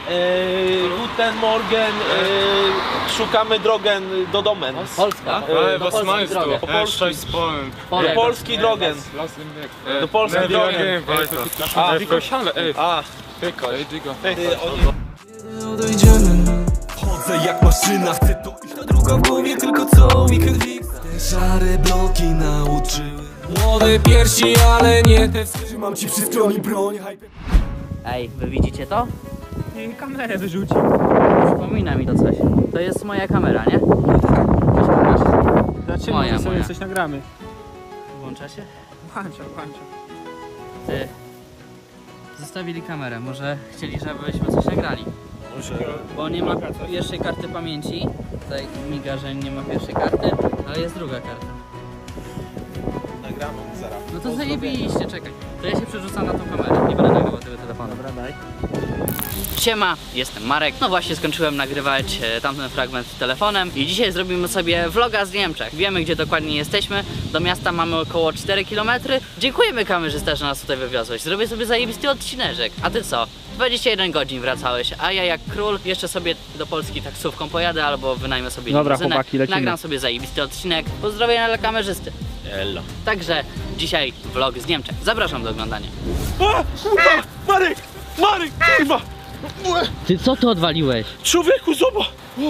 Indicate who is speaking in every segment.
Speaker 1: Guten Morgen, szukamy drogę do domen.
Speaker 2: Polska.
Speaker 3: Was meinst du?
Speaker 1: Po polsku.
Speaker 2: Polek.
Speaker 1: Do Polski drogę. Do Polski drogę.
Speaker 3: Ej, Digga.
Speaker 4: Chodzę jak maszyna, chcę to iść. Ta druga w głowie, tylko co weekend fix. Te szare bloki nauczyły młode piersi, ale nie te. Trzymam ci przy stronie broń.
Speaker 2: Ej, wy widzicie to?
Speaker 5: Kamerę wyrzucił.
Speaker 2: Przypomina mi to coś. To jest moja kamera, nie?
Speaker 5: Znaczy,
Speaker 2: Moja,
Speaker 5: może sobie
Speaker 2: moja.
Speaker 5: coś nagramy.
Speaker 2: Włącza się?
Speaker 5: Włącza.
Speaker 2: Ty. Zostawili kamerę, może chcieli, żebyśmy coś nagrali. Bo nie ma pierwszej karty pamięci. Tutaj miga, że nie ma pierwszej karty, ale jest druga karta.
Speaker 1: Nagramy zaraz.
Speaker 2: No to zajebiście, czekaj. To ja się przerzucam na tą kamerę, nie będę nagrywał tego telefonu.
Speaker 5: Dobra, daj.
Speaker 2: Siema, jestem Marek. No właśnie skończyłem nagrywać tamten fragment telefonem i dzisiaj zrobimy sobie vloga z Niemczech. Wiemy, gdzie dokładnie jesteśmy. Do miasta mamy około 4 km. Dziękujemy kamerzysta, że nas tutaj wywiozłeś. Zrobię sobie zajebisty odcineczek. A ty co? 21 godzin wracałeś, a ja jak król jeszcze sobie do Polski taksówką pojadę albo wynajmę sobie
Speaker 5: Dobra,
Speaker 2: limuzynę.
Speaker 5: chłopaki, lecimy.
Speaker 2: Nagram sobie zajebisty odcinek. Pozdrowienia dla kamerzysty.
Speaker 1: Elo.
Speaker 2: Także dzisiaj vlog z Niemczech. Zapraszam do oglądania.
Speaker 1: A, kurwa! Marek! Marek, kurwa!
Speaker 2: Ty co tu odwaliłeś?
Speaker 1: Człowieku, zobacz!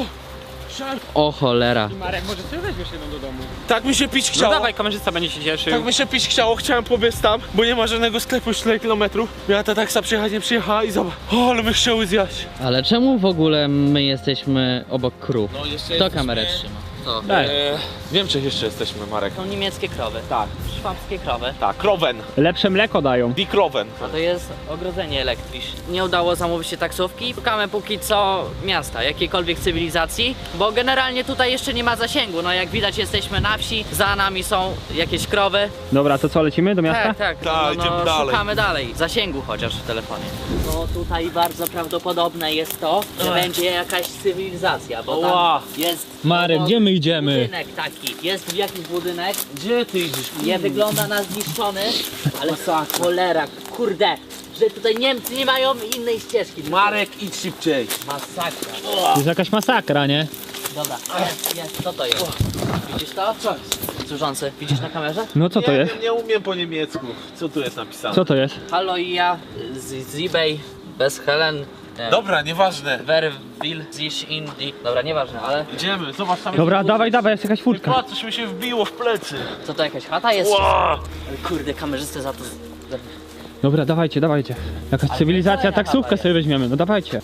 Speaker 2: O cholera.
Speaker 5: Marek, może sobie weźmiesz jedną do domu.
Speaker 1: Tak mi się pić
Speaker 5: No
Speaker 1: chciało.
Speaker 5: dawaj, kamerzysta będzie się cieszył.
Speaker 1: Tak mi się pić chciało, chciałem pobiec tam, bo nie ma żadnego sklepu już 4 km. Miała ta taksa przyjechać, nie przyjechała i zobacz. O, ale my chciały zjać.
Speaker 2: Ale czemu w ogóle my jesteśmy obok krów?
Speaker 1: No jeszcze
Speaker 2: Kto kamerę trzyma? To.
Speaker 1: W Niemczech jeszcze jesteśmy, Marek.
Speaker 2: Są niemieckie krowy.
Speaker 1: Tak.
Speaker 2: Szwabskie krowy.
Speaker 1: Tak, Krowen.
Speaker 5: Lepsze mleko dają.
Speaker 1: Die Krowen.
Speaker 2: A to jest ogrodzenie elektryczne. Nie udało zamówić się taksówki. Szukamy póki co miasta, jakiejkolwiek cywilizacji, bo generalnie tutaj jeszcze nie ma zasięgu. No jak widać jesteśmy na wsi, za nami są jakieś krowy.
Speaker 5: Dobra, to co, lecimy do miasta?
Speaker 2: Tak,
Speaker 1: Tak, idziemy dalej.
Speaker 2: szukamy dalej. Zasięgu chociaż w telefonie. No tutaj bardzo prawdopodobne jest to, że będzie jakaś cywilizacja, bo tam
Speaker 1: Ła.
Speaker 2: jest...
Speaker 5: Marek, gdzie my idziemy?
Speaker 2: Budynek taki. Jest jakiś budynek.
Speaker 1: Gdzie ty idziesz?
Speaker 2: Nie wygląda na zniszczony, ale cholera, kurde, że tutaj Niemcy nie mają innej ścieżki.
Speaker 1: Marek, idź szybciej.
Speaker 2: Masakra.
Speaker 5: To jest jakaś masakra, nie?
Speaker 2: Dobra, jest, co to jest? Widzisz to? Co? Służący, widzisz na kamerze?
Speaker 5: No co to
Speaker 1: Nie
Speaker 5: jest?
Speaker 1: wiem, nie umiem po niemiecku. Co tu jest napisane?
Speaker 5: Co to jest?
Speaker 2: Hallo ja, z eBay, bez Helen.
Speaker 1: Dobra, nieważne.
Speaker 2: Wer will sich in die... Dobra, nieważne, ale...
Speaker 1: Idziemy, zobacz tam.
Speaker 5: Dobra, dawaj, jest jakaś furtka.
Speaker 1: Patrz, coś mi się wbiło w plecy.
Speaker 2: Co to, jakaś chata jest?
Speaker 1: Ła!
Speaker 2: Ale kurde, kamerzystę za to...
Speaker 5: Dobra, dawajcie. Jakaś cywilizacja,
Speaker 2: kolejna
Speaker 5: taksówkę
Speaker 2: chata
Speaker 5: sobie weźmiemy, no dawajcie.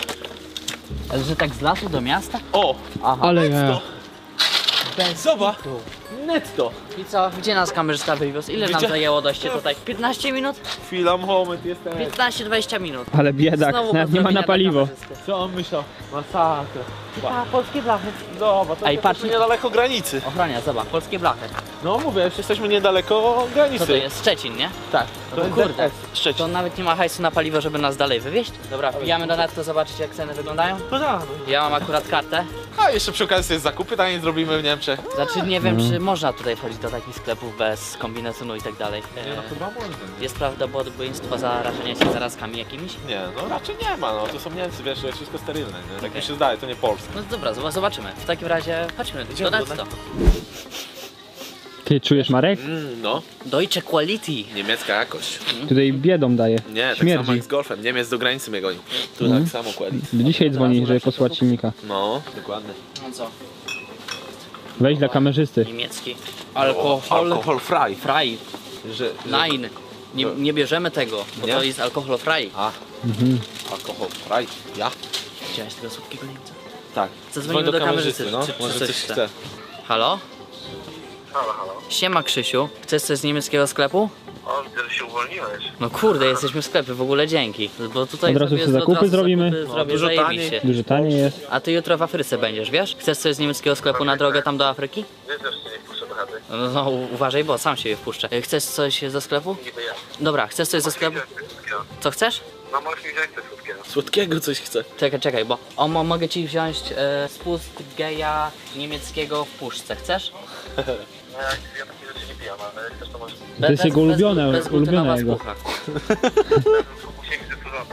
Speaker 2: Ale że tak z lasu do miasta?
Speaker 1: O!
Speaker 2: Aha.
Speaker 5: Ale ja...
Speaker 2: Bez
Speaker 1: Zobacz.
Speaker 2: kitu.
Speaker 1: Netto.
Speaker 2: I co? Gdzie nas kamerzysta wywiózł? Ile nam
Speaker 1: Widzia-
Speaker 2: zajęło dojście tutaj? 15 minut?
Speaker 1: Chwila, moment, jestem.
Speaker 2: 15-20 minut.
Speaker 5: Ale biedak,
Speaker 2: Znowu
Speaker 5: nawet nie ma na
Speaker 2: pozdrowienia
Speaker 5: paliwo.
Speaker 2: dla kamerzysty.
Speaker 1: Co on myślał? Masakra.
Speaker 2: A, polskie blachy.
Speaker 1: Dobra, to
Speaker 2: Ej,
Speaker 1: jesteśmy
Speaker 2: patrz.
Speaker 1: niedaleko granicy.
Speaker 2: Ochrania, zobacz, polskie blachy.
Speaker 1: No mówię, już jesteśmy niedaleko granicy.
Speaker 2: Co to jest? Szczecin, nie?
Speaker 1: Tak,
Speaker 2: No
Speaker 1: to
Speaker 2: to
Speaker 1: jest
Speaker 2: kurde.
Speaker 1: ZS, Szczecin.
Speaker 2: To nawet nie ma hajsu na paliwo, żeby nas dalej wywieźć. Dobra, wbijamy do netto, zobaczyć jak ceny wyglądają.
Speaker 1: No tak.
Speaker 2: Ja mam akurat kartę.
Speaker 1: A jeszcze przy okazji jest zakupy, taniej zrobimy w Niemczech.
Speaker 2: Znaczy nie wiem, czy można tutaj wchodzić do takich sklepów bez kombinezonu i tak dalej.
Speaker 1: Nie no, chyba można.
Speaker 2: Jest prawdopodobieństwo zarażenia się zarazkami jakimiś?
Speaker 1: Nie, no raczej nie ma, no to są Niemcy, wiesz, to jest wszystko sterylne, nie? Tak
Speaker 2: Okej.
Speaker 1: mi się zdaje, to nie Polska.
Speaker 2: No dobra, zobaczymy. W takim razie chodźmy do
Speaker 1: Idziemy do
Speaker 2: netto.
Speaker 5: Ty czujesz, Marek?
Speaker 1: No,
Speaker 2: Deutsche Quality.
Speaker 1: niemiecka jakość.
Speaker 5: Tutaj biedą daje.
Speaker 1: Nie, tak samo
Speaker 5: Śmierdzi.
Speaker 1: jak z golfem, Niemiec do granicy mnie goni. Tu tak samo kładli.
Speaker 5: Dzisiaj dzwoni, żeby posłać silnika.
Speaker 1: No, dokładnie.
Speaker 2: No co?
Speaker 5: Weź dla kamerzysty.
Speaker 2: Niemiecki.
Speaker 1: Alkohol frei.
Speaker 2: Frei.
Speaker 1: Że...
Speaker 2: Nein. Nie bierzemy tego, bo
Speaker 1: Nie?
Speaker 2: to jest alkohol frei.
Speaker 1: A, alkohol frei. Ja?
Speaker 2: Widziałeś tego słodkiego Niemca?
Speaker 1: Tak.
Speaker 2: Zadzwonimy
Speaker 1: Dzwoń
Speaker 2: do kamerzysty,
Speaker 1: no.
Speaker 2: czy
Speaker 1: Może
Speaker 2: coś
Speaker 1: coś
Speaker 2: chce.
Speaker 1: chce.
Speaker 2: Halo?
Speaker 6: Halo.
Speaker 2: Siema Krzysiu. Chcesz coś z niemieckiego sklepu?
Speaker 6: O, widzę, że się uwolniłeś.
Speaker 2: No kurde, jesteśmy w sklepie, w ogóle dzięki. Bo tutaj
Speaker 5: Od razu
Speaker 2: sobie
Speaker 5: sobie zakupy zrobimy.
Speaker 2: Zrobię,
Speaker 1: dużo
Speaker 2: zajebiście.
Speaker 5: Dużo taniej jest.
Speaker 2: A ty jutro w Afryce będziesz, wiesz? Chcesz coś z niemieckiego sklepu na drogę tam do Afryki?
Speaker 6: Wiesz, że cię nie wpuszczę do chaty.
Speaker 2: No uważaj, bo sam siebie wpuszczę. Chcesz coś ze sklepu?
Speaker 6: Niby ja.
Speaker 2: Dobra, chcesz coś ze sklepu? Co chcesz?
Speaker 6: No, możesz mi wziąć coś słodkiego.
Speaker 1: Słodkiego coś chce.
Speaker 2: Czekaj, bo mogę ci wziąć spust geja niemieckiego w puszce, chcesz?
Speaker 6: No, ja takich rzeczy nie pijam, ale jak chcesz, to możesz.
Speaker 5: To jest jego ulubione jego.
Speaker 2: bezglutenowa spucha.
Speaker 6: Musi być służący.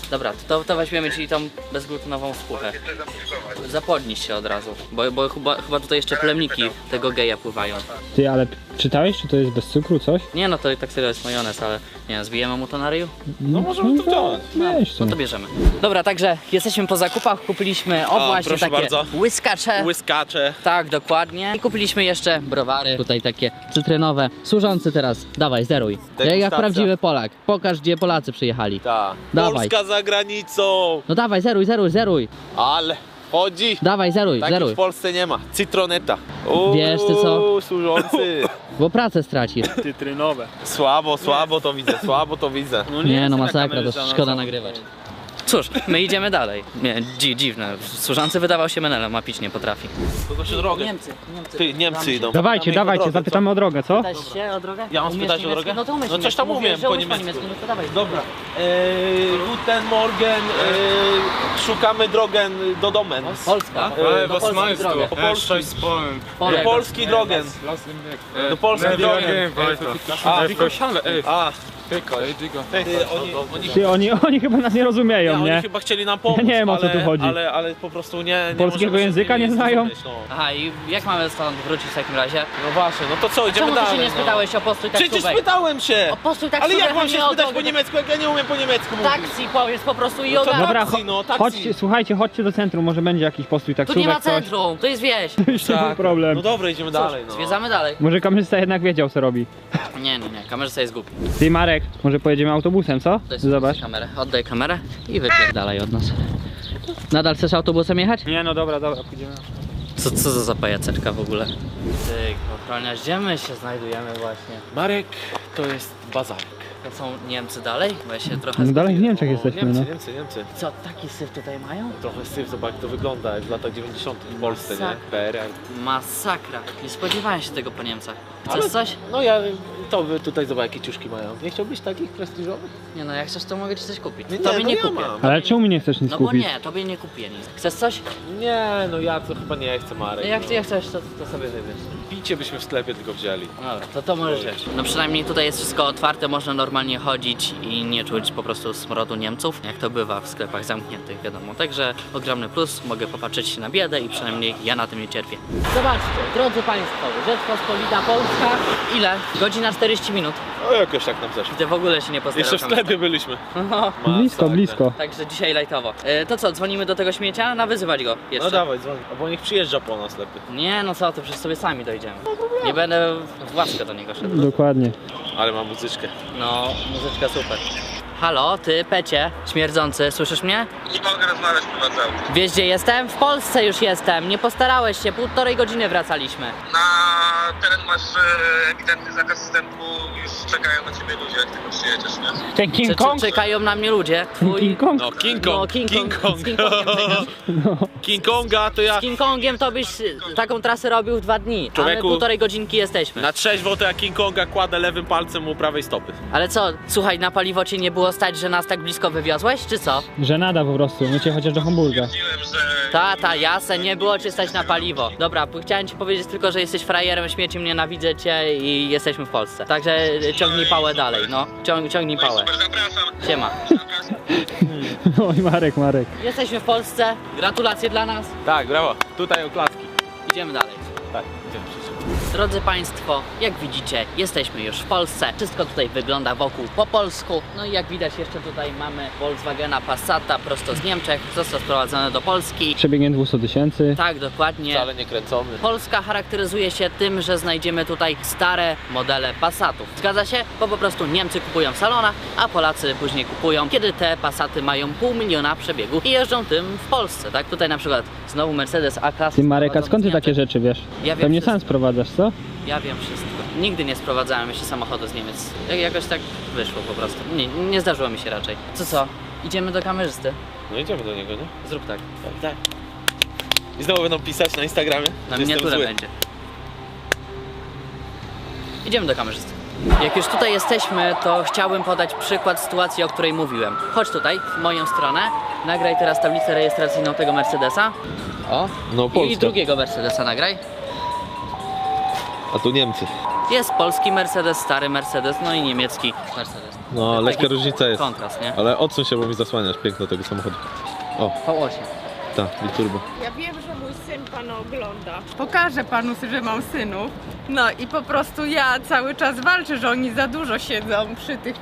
Speaker 2: Dobra, to weźmiemy ci tą bezglutenową skórę.
Speaker 6: Chcę zapuszkować.
Speaker 2: Zapodniś się od razu, bo chyba tutaj jeszcze plemniki tego geja pływają.
Speaker 5: Ty, ale czytałeś, czy to jest bez cukru, coś?
Speaker 2: Nie no, to tak serio jest majonez, ale nie wiem, zbijemy mu to na ryju?
Speaker 1: No możemy to wziąć.
Speaker 5: Weź to.
Speaker 2: No to bierzemy. Dobra, także jesteśmy po zakupach, kupiliśmy właśnie
Speaker 1: proszę
Speaker 2: takie
Speaker 1: bardzo.
Speaker 2: łyskacze.
Speaker 1: Łyskacze.
Speaker 2: Tak, dokładnie. I kupiliśmy jeszcze browary, tutaj takie cytrynowe. Służący teraz, dawaj, zeruj. Jak
Speaker 1: Degustacja.
Speaker 2: prawdziwy Polak. Pokaż, gdzie Polacy przyjechali.
Speaker 1: Tak.
Speaker 2: Dawaj.
Speaker 1: Polska za granicą.
Speaker 2: No dawaj, zeruj.
Speaker 1: Ale chodzi.
Speaker 2: Dawaj, zeruj.
Speaker 1: Takich w Polsce nie ma. Citroneta.
Speaker 2: Wiesz ty co?
Speaker 1: Służący.
Speaker 2: Bo pracę stracisz.
Speaker 5: Cytrynowe.
Speaker 1: Słabo to widzę, słabo to widzę.
Speaker 2: Nie no, masakra, to szkoda nagrywać. Cóż, my idziemy dalej. Nie, dziwne. Służący wydawał się menelem, a pić nie potrafi.
Speaker 1: Kogoś o drogę. Niemcy idą.
Speaker 5: Dawajcie,
Speaker 1: Zapytamy ich o drogę,
Speaker 5: zapytamy o drogę, co?
Speaker 2: Pytać się o drogę?
Speaker 1: Ja mam
Speaker 2: Umiesz
Speaker 1: spytać o
Speaker 2: niemiecki?
Speaker 1: drogę?
Speaker 2: No to umiesz
Speaker 1: No coś tam
Speaker 2: niemiecki.
Speaker 1: umiem
Speaker 2: Mówię, że
Speaker 1: po
Speaker 2: umiesz
Speaker 1: niemiecku.
Speaker 2: No to dawaj.
Speaker 1: Dobra. Guten Morgen. Szukamy drogę do domen.
Speaker 2: Polska.
Speaker 3: Ale
Speaker 2: Do
Speaker 3: was
Speaker 2: Polski
Speaker 3: meinst
Speaker 2: drogę.
Speaker 3: du? Cześć z Polen.
Speaker 2: Polek.
Speaker 1: Do Polski drogę.
Speaker 3: Lass ihn weg.
Speaker 1: Do Polski drogę.
Speaker 3: Ej, tylko siale, ej.
Speaker 1: A,
Speaker 3: Ej, Digga.
Speaker 5: Ty, oni chyba nas nie rozumieją,
Speaker 1: oni
Speaker 5: nie?
Speaker 1: chyba chcieli nam pomóc,
Speaker 5: Ja nie wiem, o co tu chodzi.
Speaker 1: Ale po prostu nie
Speaker 5: Polskiego
Speaker 1: możemy się
Speaker 5: języka
Speaker 1: z nimi
Speaker 5: nie znają?
Speaker 1: zrozumieć, no.
Speaker 2: Aha, i jak mamy stąd wrócić w takim razie?
Speaker 1: No właśnie, no to co, idziemy
Speaker 2: Czemu
Speaker 1: dalej.
Speaker 2: ty się nie
Speaker 1: no.
Speaker 2: spytałeś o postój
Speaker 1: Przecież
Speaker 2: taksówek?
Speaker 1: spytałem się!
Speaker 2: O postój
Speaker 1: Ale
Speaker 2: taksówek,
Speaker 1: jak mam
Speaker 2: a
Speaker 1: się
Speaker 2: nie o
Speaker 1: spytać
Speaker 2: drogę.
Speaker 1: po niemiecku, jak ja nie umiem po niemiecku mówić?
Speaker 2: Taksi powiedz po prostu i
Speaker 1: No to
Speaker 2: ogarnij.
Speaker 5: Dobra,
Speaker 1: taksi, no, taksi.
Speaker 5: chodźcie, słuchajcie, chodźcie do centrum, może będzie jakiś postój
Speaker 2: Tu
Speaker 5: taksówek,
Speaker 2: nie ma
Speaker 5: coś.
Speaker 2: centrum, to jest wieś.
Speaker 5: Już to był problem.
Speaker 1: No dobra, idziemy dalej, no.
Speaker 2: Zwiedzamy dalej.
Speaker 5: Może kamerzysta jednak wiedział, co robi.
Speaker 2: Nie, kamerzysta jest głupi.
Speaker 5: Ty, Marek, może pojedziemy autobusem, co?
Speaker 2: To jest
Speaker 5: Zobacz.
Speaker 2: kamerę. Oddaj kamerę i wypierdalaj od nas. Nadal chcesz autobusem jechać?
Speaker 5: Nie, no dobra, pójdziemy.
Speaker 2: Co za pajaceczka w ogóle? Ty, ochroniarz, gdzie my się znajdujemy właśnie?
Speaker 1: Marek, to jest bazarek.
Speaker 2: To są Niemcy dalej? Bo ja się trochę...
Speaker 5: No dalej w Niemczech jesteśmy, no.
Speaker 1: Niemcy.
Speaker 2: Co, taki syf tutaj mają?
Speaker 1: Trochę syf, zobacz jak to wygląda, jak w latach 90 w Polsce, nie?
Speaker 2: Masakra.
Speaker 1: PRL.
Speaker 2: Masakra. Nie spodziewałem się tego po Niemcach. Chcesz
Speaker 1: Ale-
Speaker 2: coś?
Speaker 1: No ja, to wy tutaj zobacz jakie ciuszki mają. Nie chciałbyś takich prestiżowych?
Speaker 2: Nie no, jak chcesz to mogę ci coś kupić.
Speaker 1: Nie,
Speaker 2: Tobie
Speaker 1: no
Speaker 2: nie
Speaker 1: ja
Speaker 2: kupię.
Speaker 1: mam.
Speaker 5: Ale czemu mi nie chcesz nic
Speaker 2: No bo
Speaker 5: kupić?
Speaker 2: nie, tobie nie kupię nic. Chcesz coś?
Speaker 1: Nie, no ja to chyba nie chcę, Marek.
Speaker 2: No jak
Speaker 1: no.
Speaker 2: ty chcesz, to sobie wybierz.
Speaker 1: Picie byśmy w sklepie tylko wzięli.
Speaker 2: No dobra, to możesz wziąć. No przynajmniej tutaj jest wszystko otwarte, można normalnie chodzić i nie czuć po prostu smrodu Niemców, jak to bywa w sklepach zamkniętych, wiadomo. Także ogromny plus, mogę popatrzeć się na biedę i przynajmniej ja na tym nie cierpię. Zobaczcie, drodzy Państwo, Rzeczpospolita Polska, ile? Godzina 40 minut.
Speaker 1: No jakoś tak nam zeszło.
Speaker 2: Gdy w ogóle się nie postarał.
Speaker 1: Jeszcze w sklepie byliśmy.
Speaker 2: No.
Speaker 5: Blisko, blisko.
Speaker 2: Także dzisiaj lajtowo. To co, dzwonimy do tego śmiecia? Nawyzywać go jeszcze.
Speaker 1: No dawaj, dzwoń. Bo niech przyjeżdża po nas lepiej.
Speaker 2: Nie, no co, to przecież sobie sami dojdziemy. Nie będę w łaskę do niego szedł.
Speaker 5: Dokładnie.
Speaker 1: Ale mam muzyczkę.
Speaker 2: No, muzyczka super. Halo, ty, pecie, śmierdzący, słyszysz mnie?
Speaker 6: Nie mogę rozmawiać prowadzę auto.
Speaker 2: Wiesz gdzie jestem? W Polsce już jestem, nie postarałeś się, 1,5 godziny wracaliśmy.
Speaker 6: Na teren masz ewidentny zakaz wstępu, już czekają na ciebie ludzie, jak tylko przyjedziesz, nie?
Speaker 5: Ten
Speaker 2: Czy,
Speaker 5: King Kong?
Speaker 2: czekają na mnie ludzie? Twój...
Speaker 5: King Kong?
Speaker 1: No King
Speaker 2: No,
Speaker 1: Kong.
Speaker 2: King Kong. Z King Kongiem czekasz.
Speaker 1: King Konga to ja...
Speaker 2: Z King Kongiem to byś taką trasę robił w 2 dni,
Speaker 1: Człowieku,
Speaker 2: a my 1,5 godzinki jesteśmy.
Speaker 1: Na trzeźwo to ja King Konga kładę lewym palcem u prawej stopy.
Speaker 2: Ale co, słuchaj, na paliwo cię nie było stać, że nas tak blisko wywiozłeś, czy co?
Speaker 5: Żenada po prostu, mycie chociaż do Hamburga.
Speaker 6: Mówiłem, że
Speaker 2: Tata, jasne, nie było cię stać na paliwo. Dobra, chciałem ci powiedzieć tylko, że jesteś frajerem, śmieciem, nienawidzę cię i jesteśmy w Polsce. Także ciągnij pałę dalej, no. Ciągnij pałę.
Speaker 6: super, zapraszam.
Speaker 2: Siema.
Speaker 5: Oj, Marek.
Speaker 2: Jesteśmy w Polsce, gratulacje dla nas.
Speaker 1: Tak, brawo. Tutaj oklatki.
Speaker 2: Idziemy dalej.
Speaker 1: Tak, idziemy.
Speaker 2: Drodzy Państwo, jak widzicie, jesteśmy już w Polsce. Wszystko tutaj wygląda wokół po polsku. No i jak widać jeszcze tutaj mamy Volkswagena Passata prosto z Niemczech. Został sprowadzony do Polski.
Speaker 5: Przebiegiem 200 000.
Speaker 2: Tak, dokładnie.
Speaker 1: Wcale nie kręcony.
Speaker 2: Polska charakteryzuje się tym, że znajdziemy tutaj stare modele Passatów. Zgadza się? Bo po prostu Niemcy kupują w salonach, a Polacy później kupują, kiedy te Passaty mają 500 000 przebiegu i jeżdżą tym w Polsce, tak? Tutaj na przykład znowu Mercedes A-klasy.
Speaker 5: Ty, Marek, a
Speaker 2: sprowadzony
Speaker 5: skąd ty
Speaker 2: z
Speaker 5: takie
Speaker 2: Niemiec.
Speaker 5: rzeczy wiesz?
Speaker 2: Ja wiem
Speaker 5: Pewnie
Speaker 2: wszystko.
Speaker 5: sam sprowadzasz, co?
Speaker 2: Ja wiem wszystko. Nigdy nie sprowadzałem jeszcze samochodu z Niemiec. Jakoś tak wyszło po prostu. Nie zdarzyło mi się raczej. Co? Idziemy do kamerzysty.
Speaker 1: No idziemy do niego, nie?
Speaker 2: Zrób tak.
Speaker 1: Tak. I znowu będą pisać na Instagramie.
Speaker 2: Na
Speaker 1: że jestem
Speaker 2: miniaturę
Speaker 1: zły.
Speaker 2: będzie. Idziemy do kamerzysty. Jak już tutaj jesteśmy, to chciałbym podać przykład sytuacji, o której mówiłem. Chodź tutaj, w moją stronę. Nagraj teraz tablicę rejestracyjną tego Mercedesa. O.
Speaker 1: No
Speaker 2: I
Speaker 1: Polska.
Speaker 2: drugiego Mercedesa nagraj.
Speaker 1: A tu Niemcy.
Speaker 2: Jest polski Mercedes, stary Mercedes, no i niemiecki Mercedes.
Speaker 1: No, lekka
Speaker 2: Taki
Speaker 1: różnica jest.
Speaker 2: kontrast, nie?
Speaker 1: Ale odsuń się, bo mi zasłaniasz piękno tego samochodu. O,
Speaker 2: V8.
Speaker 1: ta, biturbo.
Speaker 7: Ja wiem, że mój syn pana ogląda. Pokażę panu, że mam synów. No i po prostu ja cały czas walczę, że oni za dużo siedzą przy tych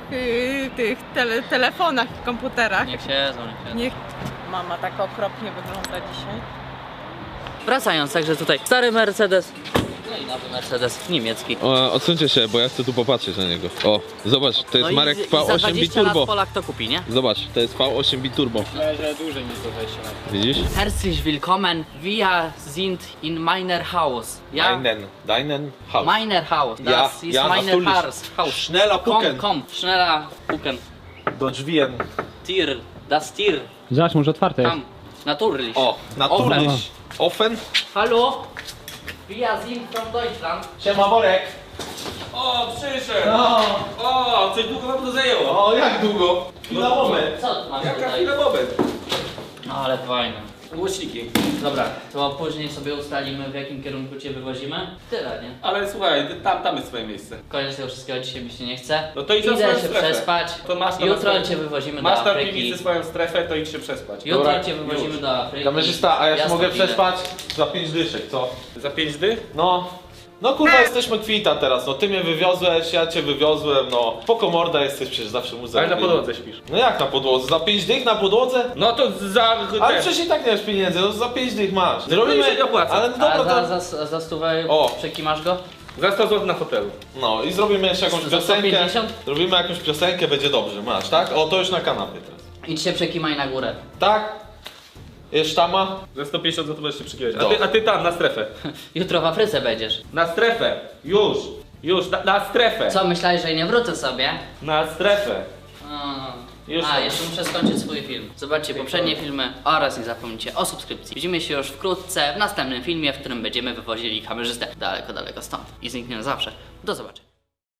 Speaker 7: telefonach i komputerach.
Speaker 2: Niech siedzą, niech siedzą.
Speaker 7: Niech mama tak okropnie wygląda dzisiaj.
Speaker 2: Wracając, także tutaj stary Mercedes, no i nowy Mercedes niemiecki.
Speaker 1: Odsuńcie się, bo ja chcę tu popatrzeć na niego. O, zobacz, to jest
Speaker 2: No
Speaker 1: Marek
Speaker 2: i za
Speaker 1: V8
Speaker 2: 20 lat
Speaker 1: biturbo.
Speaker 2: Polak to kupi, nie?
Speaker 1: Zobacz, to jest V8 biturbo.
Speaker 3: Myślę, że dłużej niż to 20 lat.
Speaker 1: Widzisz?
Speaker 2: Herzlich willkommen, wir sind in meiner Haus. Ja?
Speaker 1: Deinen Haus.
Speaker 2: Meiner Haus, das ist meiner Haus.
Speaker 1: Schneller
Speaker 2: Komm, komm, schneller gucken.
Speaker 1: Do drzwien.
Speaker 2: Tier, das Tier,
Speaker 5: Zobacz, może otwarte jest.
Speaker 2: komm, natürlich.
Speaker 1: O, naturlich. Offen.
Speaker 2: Hallo, wir sind from Deutschland.
Speaker 1: Siema, Borek.
Speaker 3: O, przyszedł! O, coś długo nam to zajęło.
Speaker 1: O, jak długo? Chwila, moment.
Speaker 2: Co tu mamy
Speaker 3: Jaka
Speaker 2: tutaj?
Speaker 3: chwila moment?
Speaker 2: No ale fajne.
Speaker 3: Głośniki.
Speaker 2: Dobra, to później sobie ustalimy, w jakim kierunku cię wywozimy. Tyle, nie?
Speaker 3: Ale słuchaj, tam jest swoje miejsce.
Speaker 2: Koniec tego wszystkiego, dzisiaj mi się nie chce.
Speaker 3: No to idź na
Speaker 2: idę
Speaker 3: swoją
Speaker 2: się
Speaker 3: strefę.
Speaker 2: przespać.
Speaker 3: To masz to na
Speaker 2: Jutro
Speaker 3: swoją-
Speaker 2: cię wywozimy do
Speaker 3: Masz na
Speaker 2: Afryki.
Speaker 3: piwnicy swoją strefę, to idź się przespać.
Speaker 2: Jutro
Speaker 1: Dobra,
Speaker 2: cię wywozimy
Speaker 3: już.
Speaker 2: do Afryki.
Speaker 1: Kamerzysta, a ja się
Speaker 2: Jasno
Speaker 1: mogę
Speaker 2: widzę.
Speaker 1: przespać za 5 dyszek, co?
Speaker 3: Za 5 dych?
Speaker 1: No. No kurwa, jesteśmy kwita teraz, no ty mnie wywiozłeś, ja cię wywiozłem, no. Spoko morda jesteś, przecież zawsze muzeum.
Speaker 3: Ale na podłodze śpisz.
Speaker 1: No jak na podłodze? Za 5 dych na podłodze?
Speaker 3: No to za...
Speaker 1: Ale przecież i tak nie masz pieniędzy, no za 5 dych masz. Zrobimy...
Speaker 3: się nie opłaca.
Speaker 1: Ale no dobra,
Speaker 2: A
Speaker 1: to...
Speaker 2: za stówę
Speaker 1: O.
Speaker 2: przekimasz go?
Speaker 3: Za 100 zł na hotelu.
Speaker 1: No i zrobimy jeszcze jakąś
Speaker 2: Za
Speaker 1: piosenkę.
Speaker 2: 150?
Speaker 1: Zrobimy jakąś piosenkę, będzie dobrze, masz, tak? O, to już na kanapie teraz.
Speaker 2: Idź się przekimaj na górę.
Speaker 1: Tak? Jest sztama?
Speaker 3: Za 150 zł możesz się przykiwać.
Speaker 1: Dobrze.
Speaker 3: A ty tam, na strefę.
Speaker 2: Jutro w Afryce będziesz.
Speaker 3: Na strefę. Już. Już, na strefę.
Speaker 2: Co, myślałeś, że nie wrócę sobie?
Speaker 3: Na strefę. Już.
Speaker 2: Jeszcze muszę skończyć swój film. Zobaczcie poprzednie filmy oraz nie zapomnijcie o subskrypcji. Widzimy się już wkrótce w następnym filmie, w którym będziemy wywozili kamerzystę daleko, daleko stąd. I zniknie na zawsze. Do zobaczenia.